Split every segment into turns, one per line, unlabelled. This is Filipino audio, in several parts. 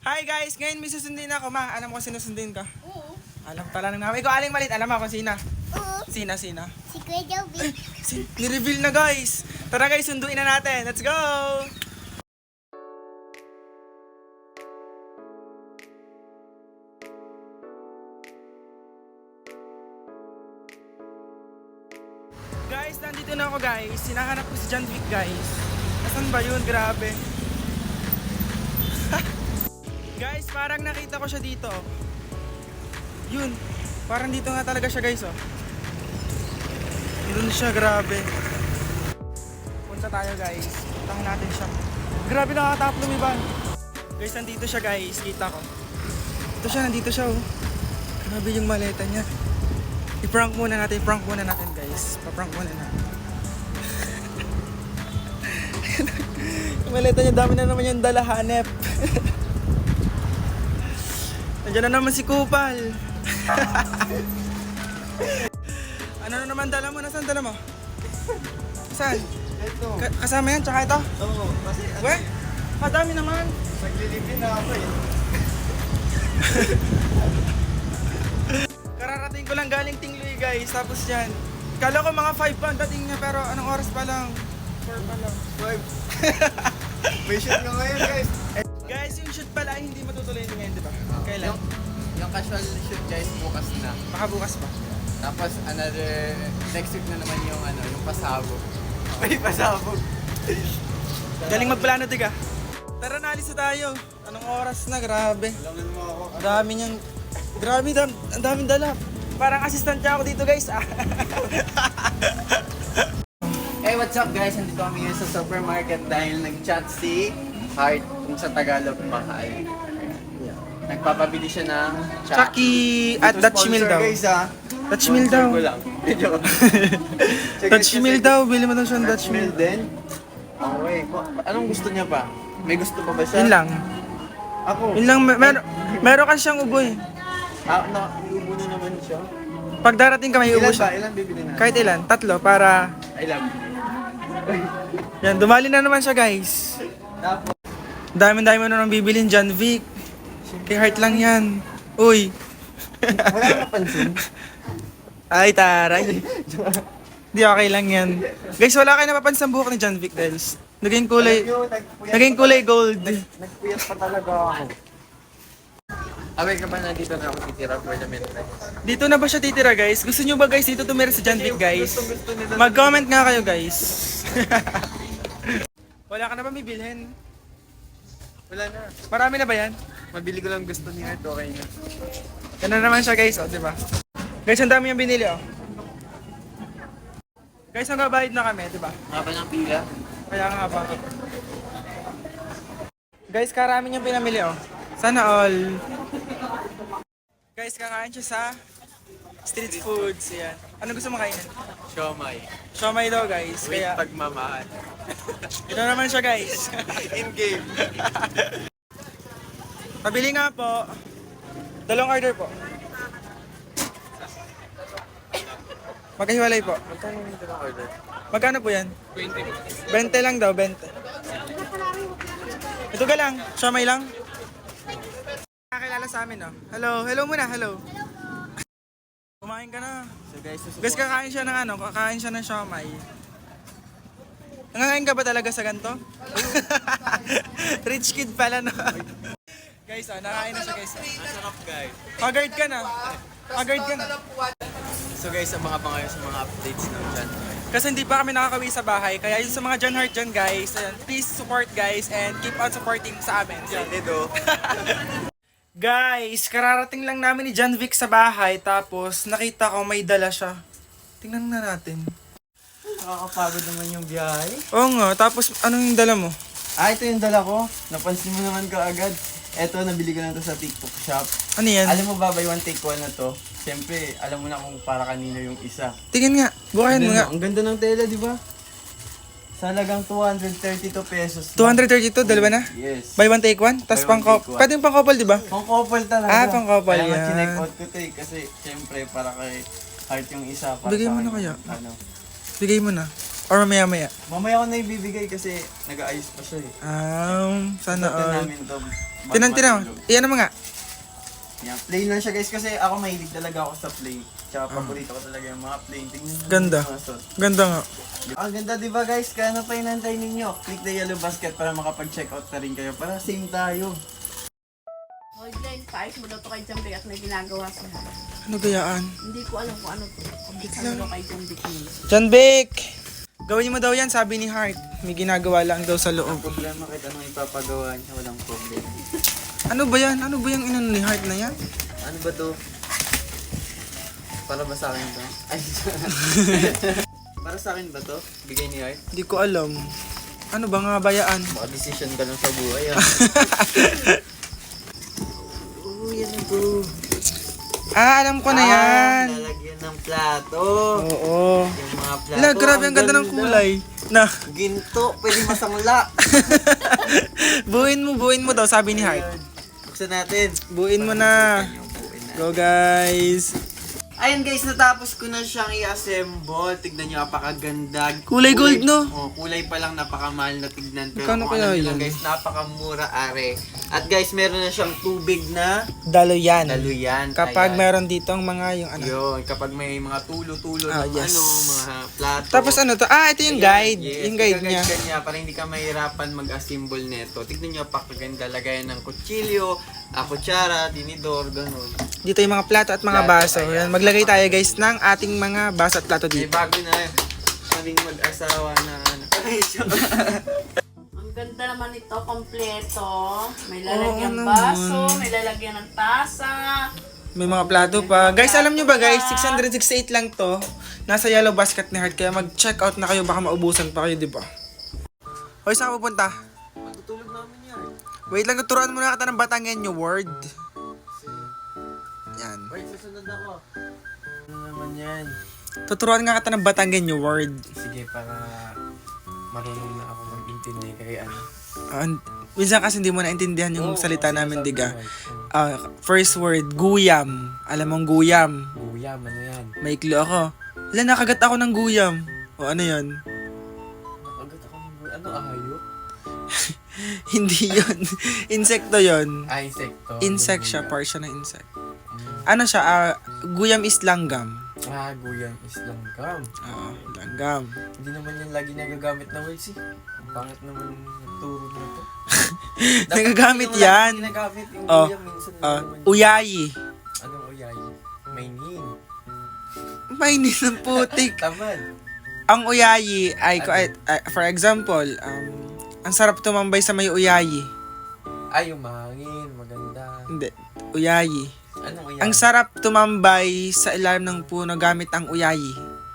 Hi guys! Ngayon may susundin ako, ma. Alam mo kung sinusundin ka?
Oo.
Alam pala ng mama. Ikaw, aling malit. Alam mo kung sina?
Oo.
Sina?
Si Kuya Joby.
Ni-reveal na guys! Tara guys, sunduin na natin. Let's go! Guys, nandito na ako guys. Sinahanap ko si John Vic guys. Nasaan ba yun? Grabe. Guys, parang nakita ko siya dito. Yun. Parang dito nga talaga siya guys, oh. Doon siya, grabe. Punta tayo guys. Puntahan natin siya. Grabe, nakakatap lumiban. Guys, nandito siya guys. Kita ko. Ito siya, nandito siya, oh. Grabe yung maleta niya. I-prank muna natin guys. Pa-prank muna natin. Yung maleta niya, dami na naman yung dala, hanep. Nandiyan na naman si Kupal. Ano na naman dala mo? Nasaan dala mo? Saan?
Ito.
Kasama yan, tsaka ito?
Oo, kasi
Weh? Kadami naman.
naglilipin na ako eh.
Kararating ko lang galing Tingloy guys. Tapos yan. Kala ko mga 5 pa ang dating niya, pero anong oras pa lang? 4 pa lang.
5. May shoot ko ngayon guys.
Guys, yung shoot pala ay hindi matutuloy ngayon, di ba? Kailan?
Yung casual shoot guys bukas na.
Baka bukas pa.
Tapos another, next week na naman yung yung pasabog. May pasabog.
Galing magplano, tiga. Tara, naalis na tayo. Anong oras na? Grabe.
Alangan mo ako.
Ang dami niyang... Grabe, ang daming dala. Parang assistant niya ako dito guys.
Hey, what's up guys? Nandito kami ngayon sa supermarket dahil nag-chat si Heart kung sa Tagalog mahal. Nagpapabili siya ng
Chucky at Dutch Mill daw.
Guys, ha?
Dutch Mill daw.
Ko lang. Medyo.
Dutch Mill daw. Bili mo daw siya ng Dutch Mill.
din? Okay. Anong gusto niya pa? May gusto pa ba siya?
Yun lang.
Ako.
Yun lang. Meron ka siyang ubo eh.
Iubo na naman siya.
Pag darating ka may ubo
Ilan ba?
siya.
Ilan bibili na?
Kahit ilan. 3 para...
I love you.
Yan. Dumali na naman siya guys.
Tapos,
Dami-dami mo na nang bibilin John Vic. Kay Heart lang yan. Uy.
wala na napansin.
Ay, taray. Di okay lang yan. Guys, wala kayo napapansin sa buhok ni John Vic dahil naging kulay...
Alam nyo,
Naging kulay gold.
Nagpuyat pa talaga ako. Away ka ba na dito na ako titira for the meantime?
Dito na ba siya titira guys? Gusto nyo ba guys dito tumira si John Vic guys?
Gusto nila.
Mag-comment nga kayo guys. Wala ka na ba may bilhin?
Wala na.
Marami na ba yan?
Mabili ko lang gusto ni Art, okay na.
Yan na naman siya guys, oh, di ba? Guys, ang dami yung binili, oh. Guys, nagbabayad na kami, di ba?
Haba ng pila.
Kaya nga ba? Guys, karami yung pinamili, oh. Sana all. Guys, kakain siya sa street foods, yan. Ano gusto mo kainin?
Siomay.
Siomay daw, guys.
With
Kaya,
pagmamahal.
ito naman siya, guys.
In-game.
Pabili nga po. Dalawang order po. Magkahiwalay po.
Magkano yung ito order?
Magkano po yan?
20.
20 lang daw, 20. Ito ka lang, siomay lang. Nakakilala sa amin, oh. Hello, hello muna, hello. Kumain ka na.
So guys,
Guys, kakain siya ng kakain siya ng siomay. Nangangain ka ba talaga sa ganito? Rich kid pala, no? Guys, nakain na siya, guys.
ang sarap guys.
Haggard ka na. Haggard ka na.
So guys, sa mga pangayon sa mga updates na dyan.
Kasi hindi pa kami nakakawi sa bahay. Kaya yung sa mga John Heart dyan, guys, ayan, please support, guys, and keep on supporting sa amin. Yan.
Edo.
Guys, kararating lang namin ni John Vic sa bahay, tapos nakita ko may dala siya. Tingnan na natin.
Nakakapagod naman yung biyahe.
Oo nga, tapos anong yung dala mo?
Ito yung dala ko. Napansin mo naman ka agad. Ito, nabili ko lang to sa TikTok shop.
Ano yan?
Alam mo ba, buy one take one na to? Siyempre, alam mo na kung para kanino yung isa.
Tingin nga, bukayan mo nga.
Ang ganda ng tela, di ba? Sa halagang 232 pesos.
232, dalawa na?
Yes.
Buy one take one? Tapos
Buy one, take one.
pwede yung pang couple, di ba?
Pang couple talaga.
Ah, pang couple,
Kaya nga
yan.
chinek out ko to eh. Kasi, siyempre, para kay Heart yung isa. Para
Bigay
sa
mo na
akin,
kaya?
Ano?
Bigay mo na. Or mamaya-maya?
Mamaya ko na ibibigay kasi nag-aayos pa siya eh.
Sana
Ito
all.
namin to.
Tinan. Iyan mo nga.
Yan. Plain lang siya guys kasi ako mahilig talaga ako sa plain. Tsaka paborito ko talaga yung mga plain. Tingnan nyo
Ganda.
yung mga suot.
Ganda nga.
Ang ganda diba guys? Kaya ano pa inantay ninyo? Click the yellow basket para makapag-check out na rin kayo. Para same tayo.
Hoy guys, paayos mo daw to kay Jambi at may ginagawa siya.
Ano gayaan?
Hindi ko alam kung ano to. Kumbisan mo daw kay Jambi niya.
John Vic! Gawin mo daw yan, sabi ni Heart. May ginagawa lang daw sa
Ang
loob.
problema kahit anong ipapagawa niya, walang problema.
Ano ba yan? Ano ba yung inano ni Heart na yan?
Ano ba to? Para ba sa akin to? Ay, para sa akin ba to? Bigay ni Art?
Hindi ko alam. Ano ba nga bayaan?
Baka decision ka lang sa buhay ah. Oo, yan na bro.
Alam ko na yan.
Lalagyan ng plato.
Oo.
Yung mga plato.
Ala, grabe ang ganda ng kulay. Na,
Ginto, pwede masangla.
buuin mo daw, sabi ni Heart.
Ayun. Buksan natin.
Buuin mo na.
Buuin na.
Go guys.
Ayun guys, natapos ko na siyang i-assemble. Tignan nyo, napakaganda.
Kulay gold, no?
Oh, kulay pa lang napakamahal na tignan. Pero
Magkano
kung
kaya
alam nyo lang
yan?
guys, napakamura are. At guys, meron na siyang tubig na
Daluyan.
daluyan.
Kapag
Ayan.
meron ditong mga yung ano.
Yun, kapag may mga tulo-tulo ng
yes.
mga plato.
Tapos ano to? Ito yung
Ayan,
guide.
yes,
Yung guide niya.
ka niya para hindi ka mahirapan mag-assemble neto. Tignan nyo, pakaganda. Lagayan ng kutsilyo, kutsara, tinidor, ganun.
Dito yung mga plato at mga
Plato,
baso.
ayan.
Yan, maglagay tayo guys ng ating mga baso at plato
May
dito.
bago na kaming mag-asawa na
Ang ganda naman ito, kompleto. May lalagyan
Oo
baso,
naman.
may lalagyan ng tasa.
May mga plato pa. Guys, alam nyo ba guys, 668 lang to. Nasa yellow basket ni Heart. Kaya mag-check out na kayo. Baka maubusan pa kayo, di ba? Hoy, saan ka pupunta?
Matutulog namin yan.
Wait lang, turuan muna kita ng Batangueño word. Yan.
Wait, susunod ako. Ano naman yan?
Tuturuan nga kita ng Batangueño word.
Sige, para marunong na ako mag-intindi kay ano.
Minsan kasi hindi mo naintindihan yung
Oo,
salita
kasi
namin,
sabi
diga.
mo,
First word, guyam. Alam mong guyam.
Guyam, ano yan?
May clue ako. Wala, nakagat ako ng guyam. O ano yon?
Nakagat ako ng guyam. Ano, ahayop?
Hindi yon. Insekto yon.
Insekto.
Insect siya, part siya ng insect. Ano siya, guyam is langgam.
Guyam is langgam.
Oo, langgam.
Hindi naman yan lagi nagagamit na words eh. Ang pangit naman nagturo na to.
Nagagamit
Dapat
yan.
yung Ginagamit yung
Oh,
guyam minsan. naman.
uyayi.
Anong uyay? May nin.
Mainis ng putik.
Tamad.
Ang uyayi ay, for example, ang sarap tumambay sa may uyayi.
Ay, yung mahangin. Maganda.
Hindi, uyayi.
Anong uyay?
Ang sarap tumambay sa ilalim ng puno gamit ang uyayi.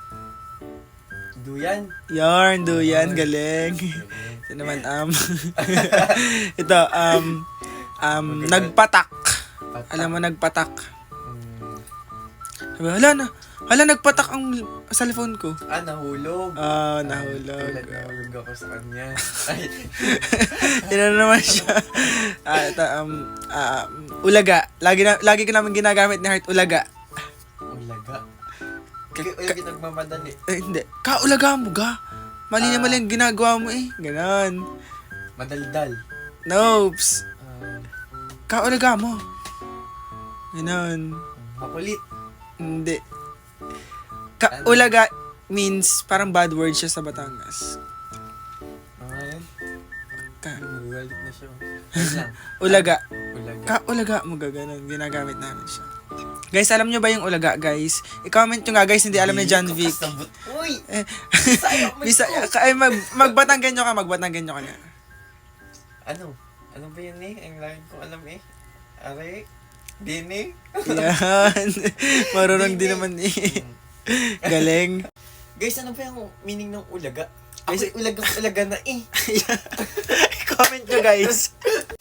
Duyan.
Yarn, duyan, galing. Ito naman, ito, nagpatak. Alam mo, nagpatak. Sabi, hala, nagpatak ang cellphone ko.
Nahulog.
Nahulog.
Nahulog ako sa kanya. Ay,
Yan na naman siya. Ito, ulaga. Lagi ko namin ginagamit ni Heart, ulaga.
ulaga. Ulaga nagmamadali.
Hindi. Kaulaga mo ga. Mali na mali ang ginagawa mo eh. Ganon.
Madaldal.
Nopes. Kaulaga mo. Ganon.
Makulit.
Hindi. Kaulaga means parang bad word siya sa Batangas.
Ayun.
Ka-
Nagalit na siya. Wait lang.
Ulaga.
Ulaga.
Kaulaga mo ga. Ganon. Ginagamit namin siya. Guys, alam nyo ba yung ulaga, guys? I-comment nyo nga, guys. Hindi alam ni John Vic.
Uy!
Bisaya ka. Ay, magbatanggan nyo ka na.
Ano? Ano ba yun eh? Ang lagi ko alam eh. Are? Dini?
Yan. Marunong din naman eh. Galing.
Guys, ano ba yung meaning ng ulaga?
Guys,
Guys, ulaga na eh.
Comment nyo, guys.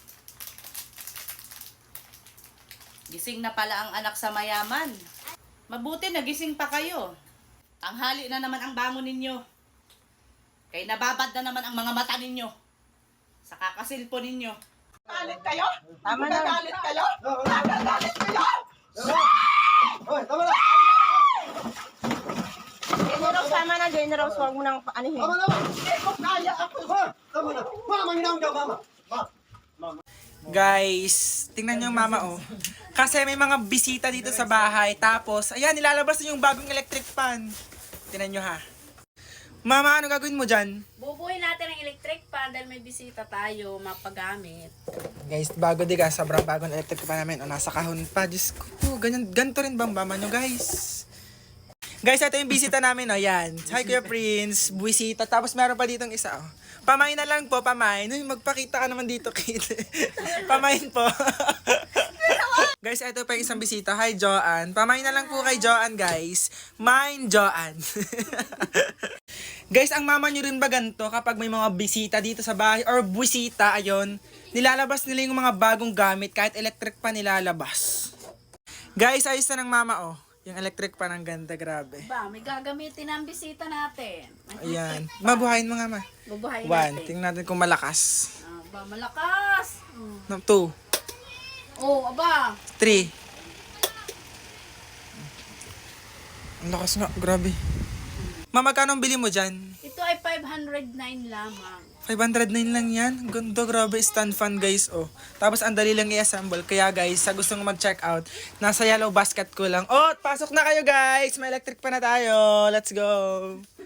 Gising na pala ang anak sa mayaman. Mabuti nagising pa kayo. Tanghali na naman ang bangon ninyo. Kaya nababad na naman ang mga mata ninyo. Sa kakasilpo ninyo.
Galit kayo?
Tama na.
Galit kayo? Galit kayo?
Siguro sama na din. na raw, so huwag mo nang paanihin.
Hindi ko kaya ako. Mama, ginaw daw, mama.
Guys, tingnan niyo yung mama oh. Kasi may mga bisita dito sa bahay. Tapos, ayan, nilalabas na yung bagong electric fan. Tingnan niyo ha. Mama, ano gagawin mo dyan?
Bubuhin natin ang electric fan dahil may bisita tayo, mapagamit.
Guys, bago di ka, sobrang bagong electric fan namin. O, nasa kahon pa. Diyos ko, ganito rin bang mama nyo, guys? Guys, ito yung bisita namin, o, yan. Hi, Kuya Prince, bisita. Tapos meron pa ditong isa, o. Pamain na lang po, pamain. Uy, magpakita ka naman dito, kid. Pamain po. Guys, ito pa yung isang bisita. Hi, Joanne. Pamain na lang po kay Joanne, guys. Mine, Joanne. Guys, ang mama nyo rin ba ganito kapag may mga bisita dito sa bahay or bisita, ayon, nilalabas nila yung mga bagong gamit kahit electric pa nilalabas. Guys, ayos na ng mama, oh. Yung electric pa ng ganda, grabe.
Ba, may gagamitin ang bisita natin.
Ayan. Mabuhayin mo nga, ma.
Bubuhayin
1,
natin.
tingnan natin kung malakas.
Ba, malakas.
2,
Oh, aba.
3. Ang lakas nga, grabe. Ma, magkano ang bili mo dyan?
Ito ay 509 lamang.
509 lang yan. Ganda, grabe. Stand fan, guys, oh. Tapos, ang dali lang i-assemble. Kaya, guys, sa gustong mag-check out, nasa yellow basket ko lang. Oh, pasok na kayo, guys! May electric pa na tayo. Let's go!